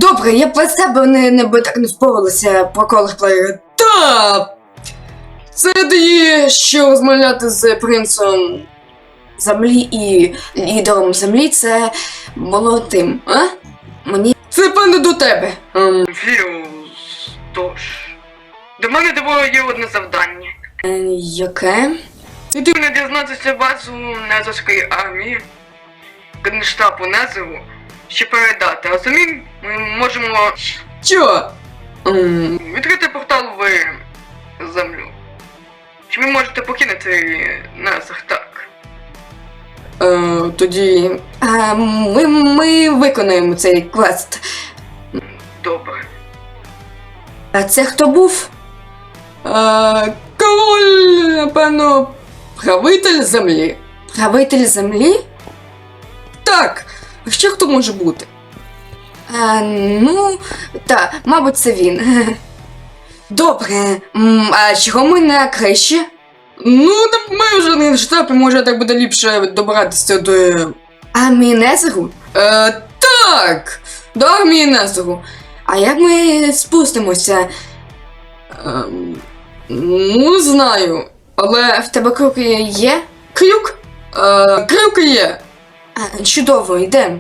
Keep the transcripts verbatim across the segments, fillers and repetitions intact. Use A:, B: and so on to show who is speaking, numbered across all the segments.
A: Добре, я б без себе не, не би так не впоралася про колорплеєра. Та! Це дає, що розмовляти з принцем землі і лідером землі, це було тим, а? Мені... Це певно до тебе. Ем...
B: Фіус, тож. До мене до тебе є одне завдання.
A: Е, яке?
B: І ти не дізнатися базу Незерської армії, Генштабу Незеру, ще передати. А самі ми можемо
A: Що? Ем...
B: відкрити портал в землю. Чи ви можете покинути Незер, так?
A: Е, тоді... Е, ми, ми виконаємо цей квест.
B: Добре.
A: А це хто був? Е, король, напевно, правитель землі. Правитель землі? Так, а ще хто може бути? Е, ну, так, мабуть, це він. Добре, м, а чого ми на криші? Ну, так ми вже не в штабі, може так буде ліпше добиратися до армії Незеру? Е, так, до армії Незеру. А як ми спустимося? Ем, ну, знаю. Але в тебе крюк є? Крюк? Е, крюк є. А, чудово, йдемо.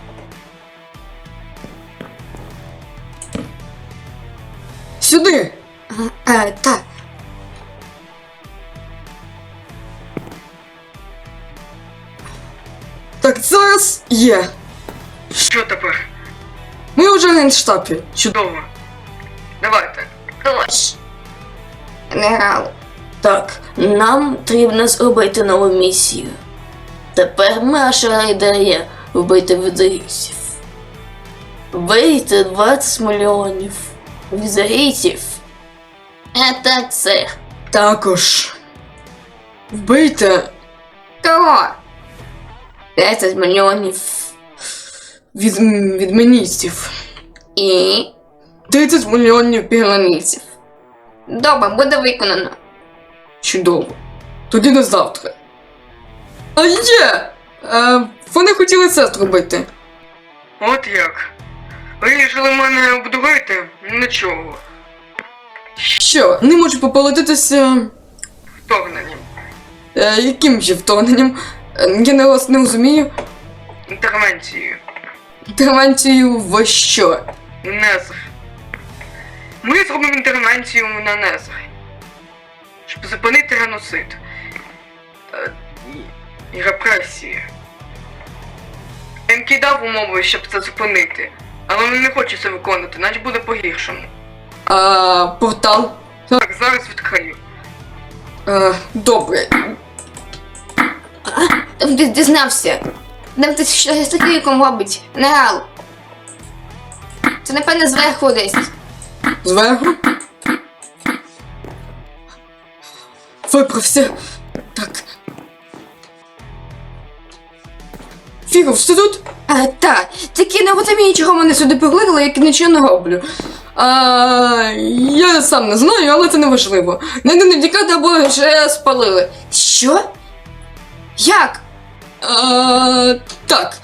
A: Сюди. А, а, так. Так, зараз є.
B: Що тепер?
A: Ми вже в генштабі.
B: Чудово. Давайте.
A: Тож. Генерал. Так, нам потрібно зробити нову місію. Тепер наша ідея вбити візарійців. Вбити двадцять мільйонів візарійців. Це це. Також. Вбити. Кого? десять мільйонів від, відміністів. І тридцять мільйонів пігланійців. Добре, буде виконано. Чудово. Тоді до завтра. А є! Е, вони хотіли це зробити.
B: От як. Вирішили мене обдурити? Нічого.
A: Що, не можуть пополотитися...
B: Вторгненням.
A: Е, яким же вторгненням? Е, я не вас не розумію.
B: Інтервенцією.
A: Інтервенцію в що?
B: Незер. Ми зробимо інтервенцію на Незер. Щоб зупинити геноцид. Е, і, і репресії. Він кидав умови, щоб це зупинити. Але він не хоче це виконати, наче буде по-гіршому.
A: А, портал?
B: Так, зараз відкрию.
A: Е, добре. А, дізнався. Нам ти щось з криком робить. Генерал. Це, напевно, зверху десь. Зверху? Виправся. Так. Фігов, ти тут? А, так. Тільки не розумію, чого мене сюди покликали, як нічого не роблю. А, я сам не знаю, але це не важливо. Найди не втікати або вже спалили. Що? Як? А, так.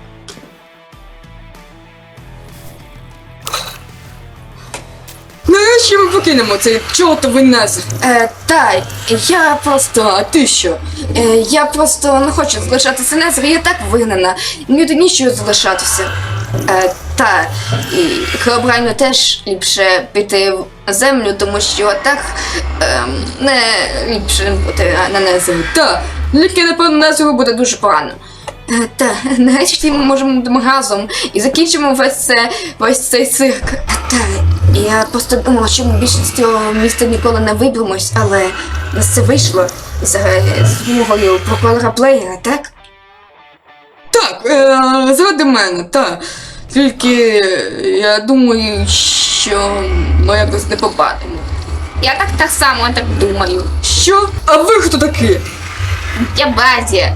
A: Нарешті ми покинемо цей чортовий Незер. Е, та, я просто... А ти що? Е, я просто не хочу залишатися Незер, я так вигнана. Мені тут нічого залишатися. Е, та, і Херобрайну теж ліпше піти в землю, тому що так е, не ліпше бути на Незері. Та, тільки, напевно, Незеру буде дуже погано. Е, та, нарешті ми можемо бути разом і закінчимо весь, це, весь цей цирк. Е, та, я просто думала, що ми більше з цього міста ніколи не виберемось, але у нас це вийшло за допомогою прокурора Плеєра, так? Так, е, заради мене, так. Тільки я думаю, що ми якось не попадемо. Я так так само так думаю. Що? А ви хто такі? Я Базія.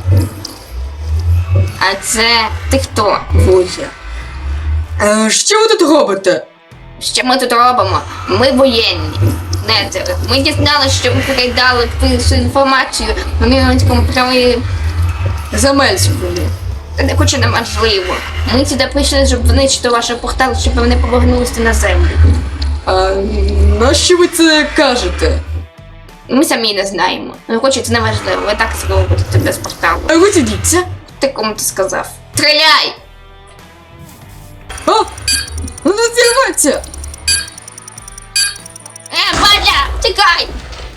A: А це ти хто? Бузя. Е, що ви тут робите? Що ми тут робимо? Ми воєнні. Незер. Ми дізналися, що ви передали всю інформацію на Міронському праві Замельському. Це не хоче неможливо. Ми сюди прийшли, щоб знищити ваш портал, щоб вони повернулися на землю.
B: А нащо ви це кажете?
A: Ми самі не знаємо. Ну, хоче, це неважливо. Ви так зробите без порталу.
B: А ви дідіться?
A: Ти кому ти сказав? Стріляй!
B: А! Ну не зірветься!
A: Е, Бадя, тікай!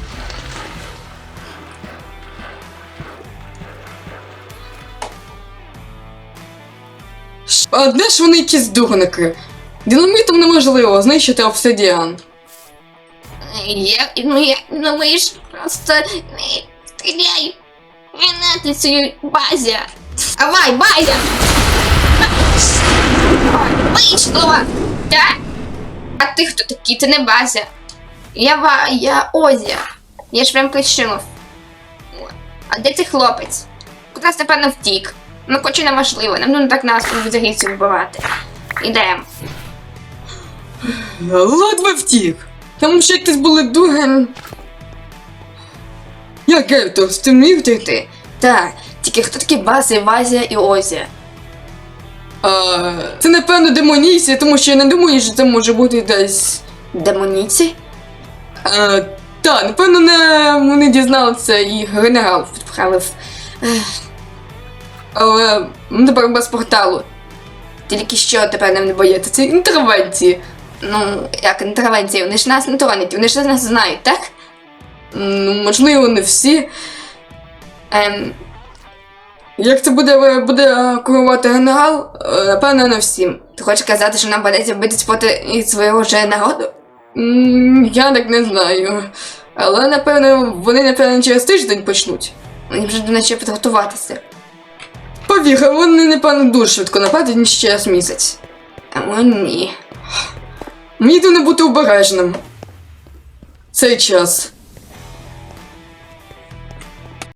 B: А де ж вони якісь дурники? Динамітом неможливо знищити обсидіан.
A: Я, ну я, ну ми ж просто е, стріляй! Гранатицею, Базя! Давай, Базя! Вийшло! Так? А ти хто такий? Ти не Базя. Я Ва... я Озя. Я ж прям причинив. А де цей хлопець? Кудись, напевно, втік. Ну, хоче неважливо, нам не так нас взагалі вбивати. Ідемо.
B: Ледве втік. Там ще якісь були дуги. Я Гельтос, ти міг втекти?
A: Так, тільки хто такі Базя, Вазя і Озя?
B: А, це напевно демонійці, тому що я не думаю, що це може бути десь.
A: Демоніці?
B: А, та, напевно, не вони дізналися і генерал відправив.
A: Ех,
B: Але ну, тепер без порталу.
A: Тільки що тепер нам не
B: Це
A: боїться.
B: ці інтервенції.
A: Ну, як інтервенції, вони ж нас не тронуть, вони ж нас знають, так?
B: Ну, можливо, не всі.
A: Ем,
B: Як це буде, буде керувати генерал, е, напевно, не всім.
A: ти хочеш казати, що нам придеться битись проти свого же народу?
B: М, Я так не знаю. Але, напевно, вони, напевно, через тиждень почнуть.
A: Мені вже до ночі підготуватися.
B: Повір, вони, напевно, дуже швидко нападуть, ніж через місяць.
A: О, ні.
B: Мені не бути обережним. Цей час.